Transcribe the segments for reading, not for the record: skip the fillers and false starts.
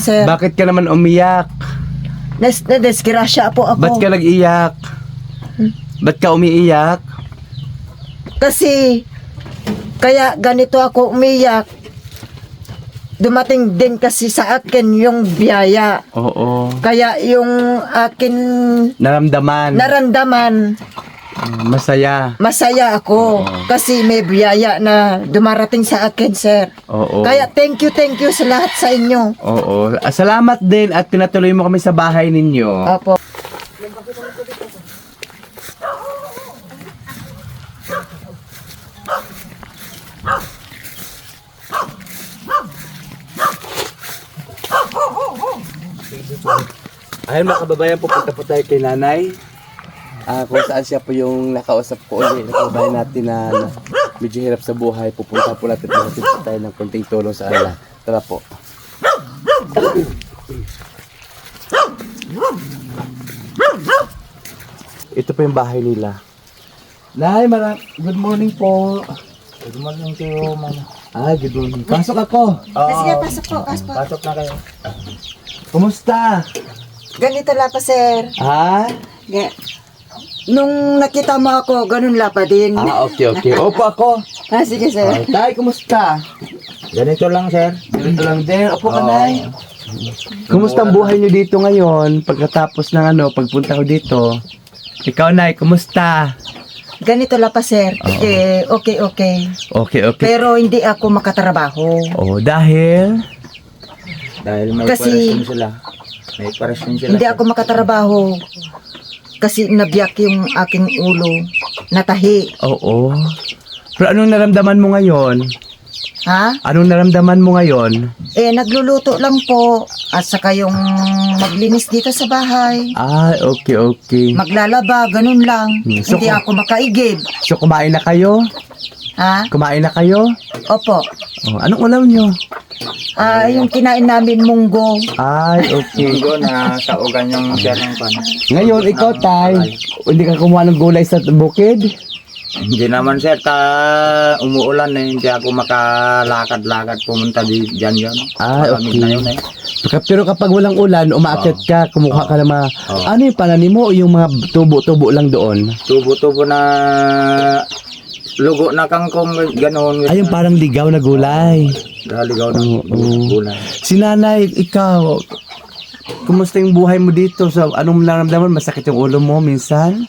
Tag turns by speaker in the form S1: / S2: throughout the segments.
S1: Sir,
S2: Bakit ka naman umiyak?
S1: nadisgrasya po ako.
S2: Ba't ka nag-iyak? Ba't ka umiiyak?
S1: Kasi, kaya ganito ako umiyak. Dumating din kasi sa akin yung biyaya.
S2: Oo.
S1: Kaya yung akin
S2: Naramdaman.
S1: naramdaman,
S2: Masaya.
S1: masaya ako. Kasi may biyaya na dumarating sa akin, sir.
S2: Oo.
S1: Kaya thank you sa lahat sa inyo.
S2: Oo. Salamat din at pinatuloy mo kami sa bahay ninyo.
S1: Opo.
S2: Ayun mga kababayan, pupunta po tayo kay nanay. Kung saan siya po yung nakausap ko ulit. Nakabayan natin na medyo hirap sa buhay. Pupunta po natin tayo ng konting tulong sa kanila. Tara po. Ito po yung bahay nila. Nay, good morning po.
S3: Good morning to you, mama.
S2: Good morning. Pasok ako.
S1: Sige, pasok po, pasok po.
S3: Pasok na kayo.
S2: Kumusta?
S1: Ganito lang pa, sir.
S2: Ha?
S1: Nung nakita mo ako, ganun la pa din.
S2: Okay. Opo ako.
S1: Sige, sir.
S2: Tay, kumusta?
S3: Ganito lang, sir.
S2: Ganito lang din. Opo ka, Nay. Kumusta ang buhay niyo dito ngayon? Pagkatapos ng pagpunta ko dito. Ikaw, Nay, kumusta?
S1: Ganito lang pa, sir. Okay.
S2: Okay.
S1: Pero hindi ako makatrabaho.
S2: Dahil?
S3: Dahil may
S1: Kasi-
S3: operasyon sila. May operasyon sila.
S1: Hindi ako makatrabaho. Kasi nabiyak yung aking ulo. Natahi.
S2: Oo. Pero anong naramdaman mo ngayon?
S1: Ha?
S2: Anong naramdaman mo ngayon?
S1: Nagluluto lang po. At saka yung maglinis dito sa bahay.
S2: Okay.
S1: Maglalaba, ganun lang.
S2: So,
S1: Hindi ako makaigib.
S2: So, kumain na kayo?
S1: Ha?
S2: Kumain na kayo?
S1: Opo.
S2: Anong ulam nyo?
S1: Yung kinain namin munggo.
S2: Okay.
S3: Igo na sa ugan yung sir ng pan.
S2: Ngayon, ikaw, Tay, hindi ka kumuha ng gulay sa bukid?
S3: Hindi naman, sir. Umuulan eh. Hindi ako makalakad-lakad pumunta dyan yun. Malamig na yun eh.
S2: Pero kapag walang ulan, umaakyat ka, kumuha ka ng mga... Ano yung pananim mo o yung mga tubo-tubo lang doon?
S3: Tubo-tubo na lugo na kangkong ganoon.
S2: Ay, yung parang ligaw na gulay.
S3: Ligaw na
S2: Oo.
S3: gulay.
S2: Si nanay, ikaw, kumusta yung buhay mo dito? So, anong naramdaman? Masakit yung ulo mo minsan?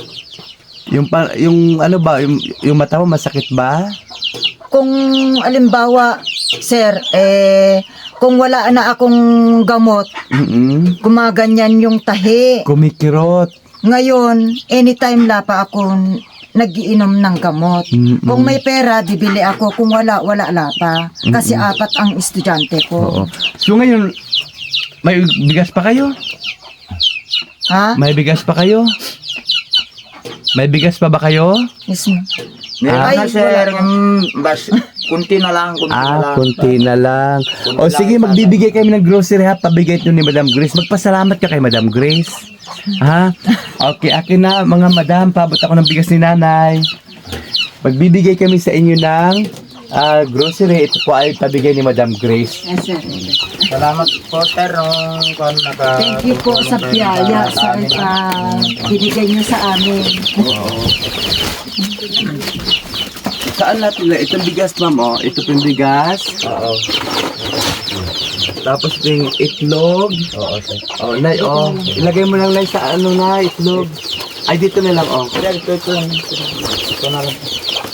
S2: Yung ano ba, yung mata mo masakit ba?
S1: Kung alimbawa, sir, kung wala na akong gamot, gumaganyan yung tahi.
S2: Kumikirot.
S1: Ngayon, anytime la pa ako nagiinom ng gamot. Kung may pera, bibili ako. Kung wala, wala la pa. Kasi apat ang estudyante
S2: Oo.
S1: ko.
S2: So ngayon, may bigas pa kayo?
S1: Ha?
S2: May bigas pa kayo? May bigas pa ba kayo?
S1: Yes, ma'am.
S3: Meron
S1: Ay,
S3: na, sir.
S1: wala.
S3: Bas, kunti na lang.
S2: Konti na lang. O
S3: Kunti
S2: sige,
S3: lang,
S2: magbibigay kami ng grocery ha. Pabigay ito ni Madam Grace. Magpasalamat ka kay Madam Grace. Ha? Okay, akin na mga madam. Pabot ako ng bigas ni nanay. Magbibigay kami sa inyo ng grocery. Ito po ay pabigay ni Madam Grace.
S1: Yes, sir.
S3: Salamat po, sir.
S1: Thank you po sa biyaya sa binigay niyo sa amin.
S2: Saan natin na? Itong bigas, ma'am. Oh. Ito po yung bigas.
S3: Oo.
S2: Tapos ito yung itlog.
S3: Oo, sir.
S2: Oh, nay, ilagay mo lang, nay, sa ano na, itlog. Ay, dito na lang,
S3: Sir, ito lang. Ito na lang.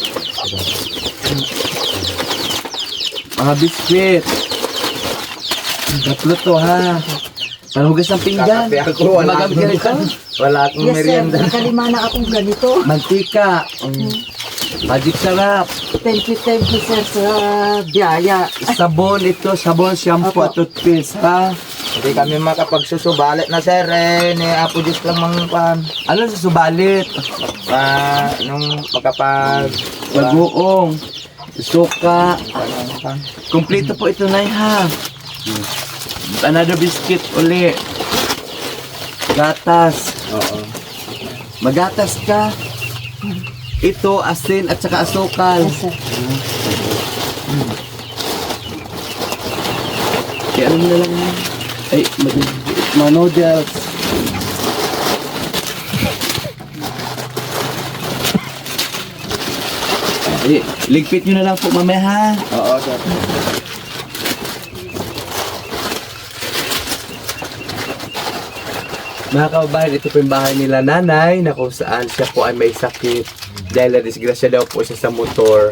S2: Mga biskwit. Tatlo to, ha. Panugas ng pinggan.
S3: Kakape ako, wala
S2: Magamit ka nito?
S3: Wala akong
S1: Yes, sir.
S3: merienda.
S1: Nakalima na akong ganito.
S2: Mantika. Magic sarap.
S1: Thank you, sir, sa biyaya.
S2: Sabon ito, sabon, shampoo at toothpaste, ha.
S3: Hindi kami makapagsusubalit na, sir. Ni Apo Diyos lang mga pan.
S2: Ano sa subalit?
S3: Nung makapag...
S2: Bagoong. Suka. Kompleto po ito, nay, ha. Another biscuit uli. Gatas.
S3: Oo.
S2: Magatas ka. Ito, asin at saka asukal.
S1: Yes, sir.
S2: Kaya ano na lang yan. Ay, mga noodles. Ay, ligpit nyo na lang po mamaya ha.
S3: Oo, sir.
S2: Mga kababayan, ito po yung bahay nila nanay na kung saan siya po ay may sakit dahil na-disgrasya daw po siya sa motor.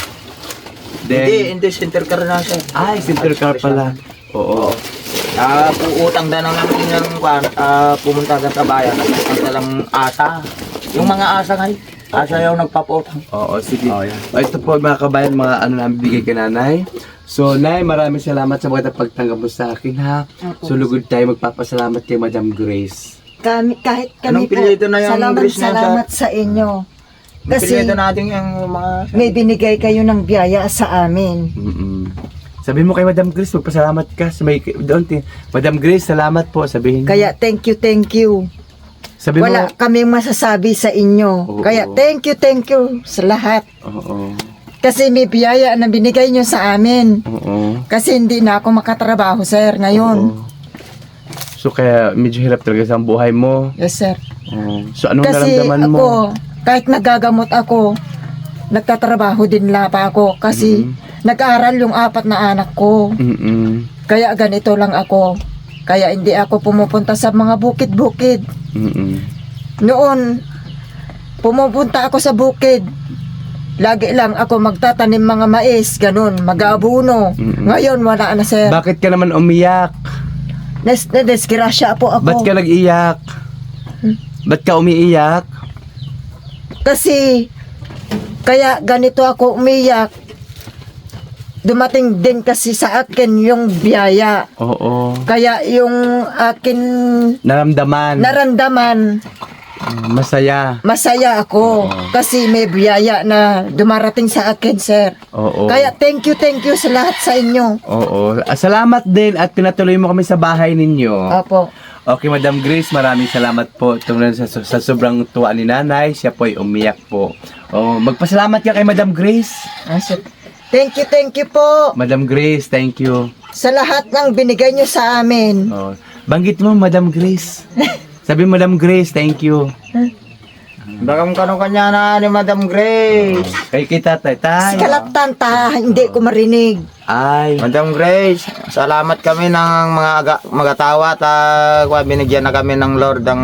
S3: Hindi, center car na, sir.
S2: Ay, center car pala. Oo.
S3: Puutang na lang namin ng pumunta sa bayan. Pumunta lang asa. Yung mga asa ngayon. Asa yung nagpapautang.
S2: Oo, sige. Ito po mga kabayan, mga ano na bigay kay nanay. So, Nay, maraming salamat sa mga pagtanggap mo sa akin, ha?
S1: Opo.
S2: So, lugod tayo magpapasalamat kay Madam Grace.
S1: Kahit
S3: Anong
S1: kami po,
S3: pilito na yung
S1: salamat,
S3: Grace na
S1: salamat sa inyo.
S3: Kasi
S1: Kasi
S3: natin yung mga...
S1: may binigay kayo ng biyaya sa amin.
S2: Sabihin mo kay Madam Grace, magpasalamat ka. Doon, Madam Grace, salamat po. Sabihin mo.
S1: Kaya thank you.
S2: Sabihin
S1: Wala
S2: mo.
S1: kaming masasabi sa inyo.
S2: Oo.
S1: Kaya thank you sa lahat.
S2: Oo.
S1: Kasi may biyaya na binigay nyo sa amin.
S2: Oo.
S1: Kasi hindi na ako makatrabaho, sir, ngayon.
S2: Oo. So, kaya medyo hirap talaga sa buhay mo.
S1: Yes, sir.
S2: Oo. So, anong
S1: Kasi
S2: naramdaman
S1: ako,
S2: mo?
S1: kahit nagagamot ako, nagtatrabaho din pa ako. Kasi nag-aaral yung 4 na anak ko.
S2: Mm-mm.
S1: Kaya ganito lang ako. Kaya hindi ako pumupunta sa mga bukid-bukid.
S2: Mm-mm.
S1: Noon, pumupunta ako sa bukid. Lagi lang ako magtatanim mga mais, ganun, mag-aabuno.
S2: Mm-mm.
S1: Ngayon, wala na, sir.
S2: Bakit ka naman umiyak?
S1: Nadesgrasya po ako.
S2: Ba't ka nag-iyak? Ba't ka umiiyak?
S1: Kasi, kaya ganito ako umiyak. Dumating din kasi sa akin yung biyaya.
S2: Oo.
S1: Kaya yung akin
S2: Naramdaman.
S1: naramdaman,
S2: Masaya.
S1: masaya ako. Kasi may biyaya na dumarating sa akin, sir.
S2: Oo.
S1: Kaya thank you sa lahat sa inyo.
S2: Oo. Salamat din at pinatuloy mo kami sa bahay ninyo.
S1: Opo.
S2: Okay, Madam Grace, maraming salamat po. Tungkol sa sobrang tuwa ni nanay, siya po ay umiyak po. Oh, magpasalamat ka kay Madam Grace.
S1: Sir. Thank you po
S2: Madam Grace, thank you.
S1: sa lahat ng binigay nyo sa amin.
S2: Oh, banggit mo, Madam Grace. Sabi Madam Grace, thank you.
S3: Bagam kanya na ni Madam Grace.
S2: Kay kita, tay.
S1: Kalaptan ta, hindi ko marinig.
S2: Ay.
S3: Madam Grace, salamat kami ng mga tawa at binigyan na kami ng Lord ng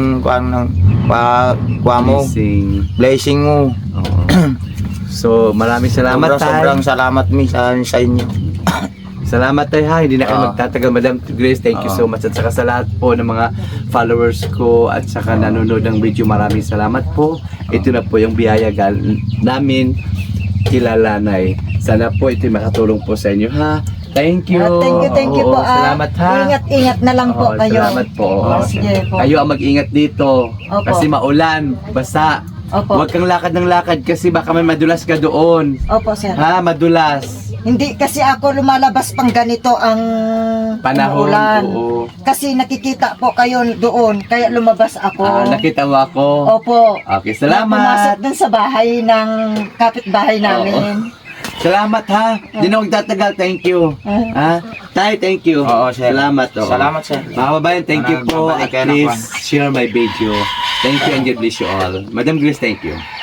S3: kuha mo. Blessing mo.
S2: Oo. So, maraming salamat, tay.
S3: Sobrang salamat mi sa inyo.
S2: Salamat tayo ha, hindi na kayo
S3: Oo.
S2: magtatagal. Madam Grace, thank you
S3: Oo.
S2: so much. At saka sa lahat po ng mga followers ko at saka nanonood ng video, maraming salamat po. Ito na po yung biyaya namin kilalanay. Sana po ito makatulong po sa inyo ha. Thank you.
S1: Thank you
S2: Oo,
S1: po.
S2: Salamat ha.
S1: Ingat na lang po
S2: Oo,
S1: kayo.
S2: Salamat po.
S1: Sige po.
S2: Kayo ang mag-ingat dito.
S1: Opo.
S2: Kasi maulan, basa.
S1: Opo.
S2: Huwag kang lakad ng lakad kasi baka may madulas ka doon.
S1: Opo, sir.
S2: Ha, madulas.
S1: Hindi kasi ako lumalabas pang ganito ang
S2: Panahon,
S1: umuulan.
S2: oo.
S1: Kasi nakikita po kayo doon, kaya lumabas ako.
S2: Nakita mo ako.
S1: Opo.
S2: Okay,
S1: Pumasok
S2: salamat.
S1: dun sa bahay ng kapitbahay namin.
S2: Salamat ha. Di na huwag tatagal. Thank you. Ha? Tay, thank you.
S3: Oo, sir.
S2: Salamat. Oo.
S3: Salamat, sir.
S2: Mga kababayan, thank you po.
S3: Babalik
S2: At
S3: kayo ng
S2: please share my video. Thank you and God bless you all. Madam Grace, thank you.